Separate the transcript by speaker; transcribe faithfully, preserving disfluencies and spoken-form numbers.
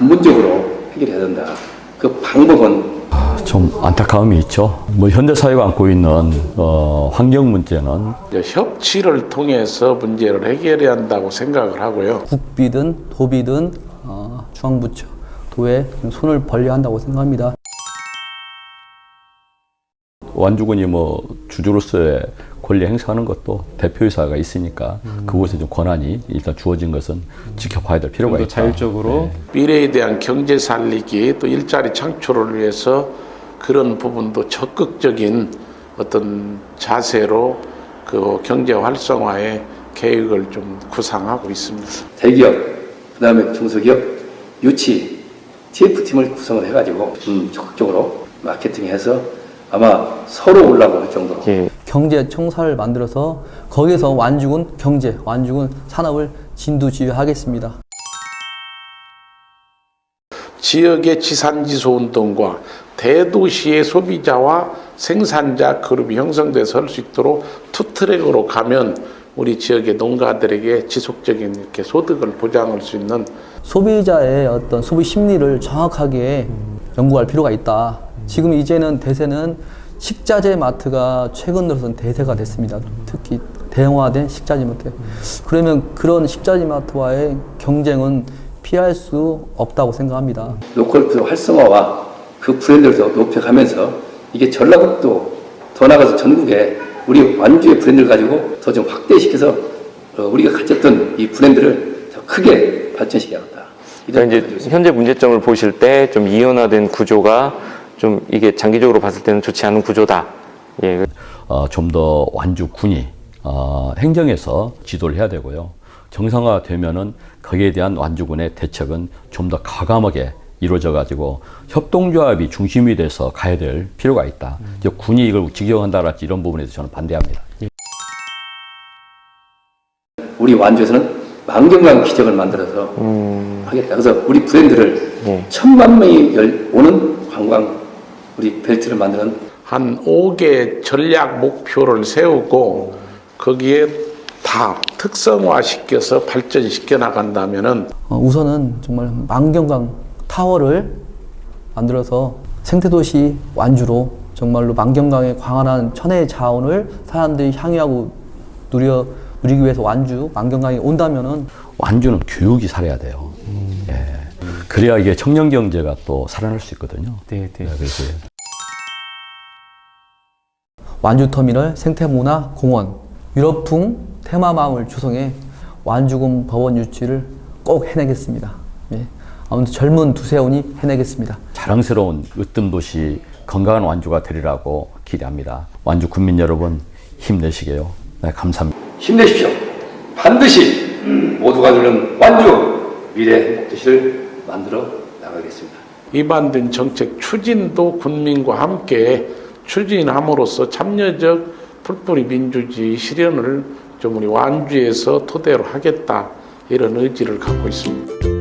Speaker 1: 근본적으로 해결해야 된다. 그 방법은
Speaker 2: 좀 안타까움이 있죠. 뭐 현대 사회가 안고 있는 어, 환경 문제는
Speaker 3: 협치를 통해서 문제를 해결해야 한다고 생각을 하고요.
Speaker 4: 국비든 도비든 어, 중앙부처, 도에 좀 손을 벌려야 한다고 생각합니다.
Speaker 2: 완주군이 뭐 주주로서의 권리 행사하는 것도 대표이사가 있으니까 음. 그곳에 좀 권한이 일단 주어진 것은 지켜봐야 될 필요가 있다.
Speaker 5: 자율적으로
Speaker 2: 네.
Speaker 3: 미래에 대한 경제 살리기 또 일자리 창출을 위해서 그런 부분도 적극적인 어떤 자세로 그 경제 활성화의 계획을 좀 구상하고 있습니다.
Speaker 1: 대기업, 그 다음에 중소기업, 유치, 티에프팀을 구성을 해가지고 음, 적극적으로 마케팅해서 아마 서로 올라고 할 정도로
Speaker 5: 예.
Speaker 4: 경제청사를 만들어서 거기서 완주군 경제, 완주군 산업을 진두지휘하겠습니다.
Speaker 3: 지역의 지산지수 운동과 대도시의 소비자와 생산자 그룹이 형성돼서 할 수 있도록 투트랙으로 가면 우리 지역의 농가들에게 지속적인 이렇게 소득을 보장할 수 있는
Speaker 4: 소비자의 어떤 소비 심리를 정확하게 연구할 필요가 있다. 지금 이제는 대세는 식자재 마트가 최근 들어서는 대세가 됐습니다. 특히 대형화된 식자재 마트. 그러면 그런 식자재 마트와의 경쟁은 피할 수 없다고 생각합니다.
Speaker 1: 로컬 푸드 활성화와 그 브랜드를 더 높여가면서 이게 전라북도 더 나가서 전국에 우리 완주의 브랜드를 가지고 더 좀 확대시켜서 우리가 가졌던 이 브랜드를 더 크게 발전시켜야겠다.
Speaker 5: 그러니까 이제 현재 문제점을 보실 때 좀 이원화된 구조가 좀 이게 장기적으로 봤을 때는 좋지 않은 구조다. 예.
Speaker 2: 어, 좀 더 완주군이 어, 행정에서 지도를 해야 되고요. 정상화되면은 거기에 대한 완주군의 대책은 좀 더 과감하게 이루어져 가지고 협동조합이 중심이 돼서 가야 될 필요가 있다. 음. 이제 군이 이걸 직영한다랄지 이런 부분에서 저는 반대합니다.
Speaker 1: 우리 완주에서는 만경강 기적을 만들어서 음. 하겠다. 그래서 우리 브랜드를 예. 천만 명이 열, 오는 관광 우리 벨트를 만드는
Speaker 3: 한 오 개 전략 목표를 세우고 거기에 다 특성화시켜서 발전시켜 나간다면은
Speaker 4: 어, 우선은 정말 만경강 타워를 만들어서 생태도시 완주로 정말로 만경강의 광활한 천혜의 자원을 사람들이 향유하고 누려 누리기 위해서 완주 만경강에 온다면은
Speaker 2: 완주는 교육이 살아야 돼요. 음. 예. 그래야 이게 청년 경제가 또 살아날 수 있거든요.
Speaker 5: 네, 네.
Speaker 2: 네, 그래서
Speaker 4: 완주터미널 생태문화공원 유럽풍 테마마을 조성해 완주군 법원 유치를 꼭 해내겠습니다. 예. 아무튼 젊은 두세훈이 해내겠습니다.
Speaker 2: 자랑스러운 으뜸도시 건강한 완주가 되리라고 기대합니다. 완주 군민 여러분 힘내시게요. 네, 감사합니다.
Speaker 1: 힘내십시오. 반드시 모두가 누리는 완주 미래 행복도시를 만들어 나가겠습니다.
Speaker 3: 입안된 정책 추진도 군민과 함께 추진함으로써 참여적 풀뿌리 민주주의 실현을 좀 우리 완주에서 토대로 하겠다 이런 의지를 갖고 있습니다.